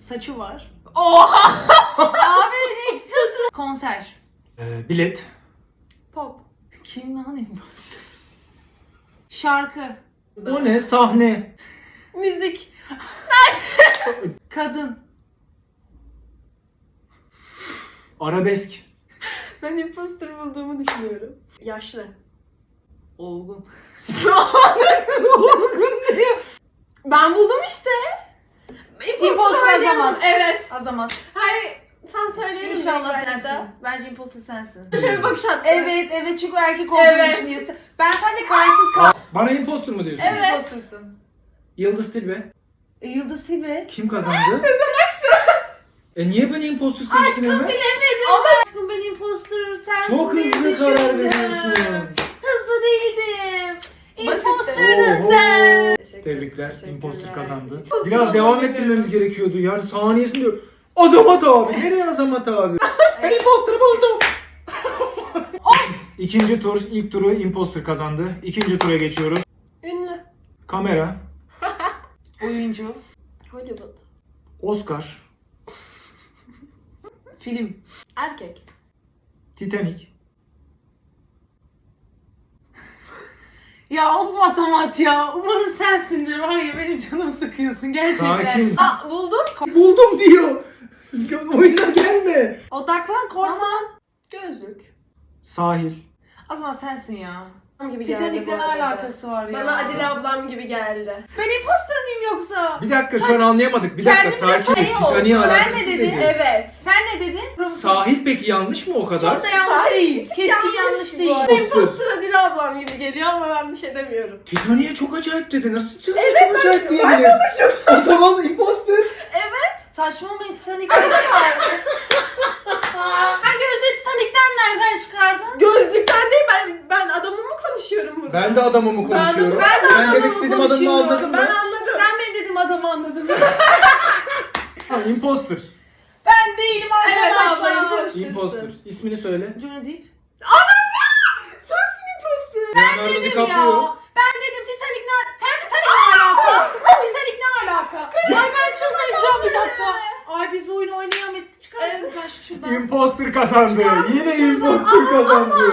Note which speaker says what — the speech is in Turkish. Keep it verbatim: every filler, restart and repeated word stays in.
Speaker 1: Saçı var.
Speaker 2: Oha!
Speaker 1: Abi ne istiyorsun? Konser.
Speaker 3: Ee, bilet.
Speaker 2: Pop.
Speaker 1: Kim lan imposter? Şarkı.
Speaker 3: O ne? Sahne.
Speaker 2: Müzik.
Speaker 1: Kadın.
Speaker 3: Arabesk.
Speaker 2: Ben imposter bulduğumu düşünüyorum. Yaşlı.
Speaker 1: Olgun.
Speaker 2: Ben buldum işte.
Speaker 1: İmposter
Speaker 2: oynayalım.
Speaker 1: Azamat.
Speaker 2: Evet.
Speaker 1: Azamat.
Speaker 2: Hayır. Tam söyleyelim.
Speaker 1: İnşallah
Speaker 2: ilk başta.
Speaker 1: sensin. Bence imposter sensin.
Speaker 2: Şöyle bir bakış attı.
Speaker 1: Evet evet çünkü erkek olduğunu
Speaker 2: Evet.
Speaker 1: düşünüyorsun. Ben sadece kararsız kaldım.
Speaker 3: Bana impostor mu diyorsun?
Speaker 2: Evet.
Speaker 1: Imposter'sın.
Speaker 3: Yıldız Tilbe.
Speaker 1: E, Yıldız Tilbe.
Speaker 3: Kim kazandı? Sezen Aksu. E niye beni impostor seçtin hemen?
Speaker 1: Bilemedim. Ama aşkım ben imposter sensin.
Speaker 3: Çok
Speaker 1: diye
Speaker 3: hızlı karar
Speaker 1: düşündüm.
Speaker 3: veriyorsun.
Speaker 1: Hızlı değildim.
Speaker 2: Basitti.
Speaker 1: Imposterdın
Speaker 3: Oho.
Speaker 1: sen.
Speaker 2: Teşekkür-
Speaker 3: Tebrikler.
Speaker 2: teşekkürler.
Speaker 3: Impostor kazandı.
Speaker 2: Imposter
Speaker 3: Biraz
Speaker 2: olduğumu
Speaker 3: devam
Speaker 2: bilmiyorum.
Speaker 3: ettirmemiz gerekiyordu. Yani saniyesinde diyor. Azamat abi. Nereye Azamat abi? Ben imposter'ı buldum. İkinci tur, ilk turu imposter kazandı. İkinci tura geçiyoruz.
Speaker 2: Ünlü.
Speaker 3: Kamera,
Speaker 1: Oyuncu.
Speaker 2: Hollywood.
Speaker 3: Oscar,
Speaker 1: Film.
Speaker 2: Erkek.
Speaker 3: Titanic.
Speaker 1: Ya o Azamat ya. Umarım sensindir. Var ya benim canımı sıkıyorsun gerçekten.
Speaker 3: Sakin.
Speaker 2: Aa buldum.
Speaker 3: Buldum diyor. Oyuna gelme.
Speaker 1: Odaklan korsan.
Speaker 2: Gözlük.
Speaker 3: Sahil.
Speaker 1: Azamat sensin ya.
Speaker 2: Gibi geldi
Speaker 1: Titanic'le
Speaker 2: bu
Speaker 1: ne
Speaker 2: arada.
Speaker 1: alakası var ya?
Speaker 2: Bana Adile ablam gibi geldi.
Speaker 1: Ben imposter mıyım yoksa?
Speaker 3: Bir dakika şu an anlayamadık. Bir dakika
Speaker 1: Kendimle
Speaker 3: sakin ol.
Speaker 2: şey oldu.
Speaker 3: Titanic'e
Speaker 1: Sen
Speaker 3: alakası
Speaker 1: ne dedin?
Speaker 3: dedi.
Speaker 2: Evet.
Speaker 1: Sen ne dedin?
Speaker 3: Sahil peki yanlış mı o kadar?
Speaker 1: Çok da yanlış
Speaker 2: Sahil
Speaker 1: değil. Keskin yanlış
Speaker 2: bu
Speaker 1: değil.
Speaker 2: arada.
Speaker 3: Imposter.
Speaker 2: Imposter Adile ablam gibi geliyor ama ben bir şey demiyorum.
Speaker 3: Titanic'e çok acayip dedi. Nasıl Titanic'e çok acayip diyebilir? O zaman imposter.
Speaker 1: Saçmalamayın Titanic'ten çıkardı. Ben gözde Titanic'ten nereden çıkardın?
Speaker 2: Gözlükten değil ben ben adamımı konuşuyorum burada.
Speaker 3: Ben de adamımı konuşuyorum.
Speaker 1: ben de
Speaker 3: Sen
Speaker 1: adamımı
Speaker 3: demek istediğim adamı
Speaker 1: konuşuyorum.
Speaker 3: anladın mı?
Speaker 2: Ben anladım.
Speaker 1: Sen benim dediğim adamı anladın.
Speaker 3: Ha, imposter.
Speaker 1: Ben değilim
Speaker 2: Evet
Speaker 1: arkadaşlar.
Speaker 2: abla imposter.
Speaker 3: Imposter. İsmini söyle.
Speaker 1: Johnny Depp.
Speaker 2: Sensin imposter.
Speaker 3: Leonardo
Speaker 1: Dedim
Speaker 3: DiCaprio.
Speaker 1: ya. Ben dedim Titanic ne Sen Titanic ne alaka? Titanic ne alaka? Ay ben çıldıracağım bir dakika. Ay biz bu oyunu oynayamayız. Çıkar
Speaker 2: Evet.
Speaker 1: şuradan şuradan.
Speaker 3: Imposter kazandı.
Speaker 1: Çıkar mısın
Speaker 3: Yine
Speaker 1: şuradan?
Speaker 3: imposter kazandı.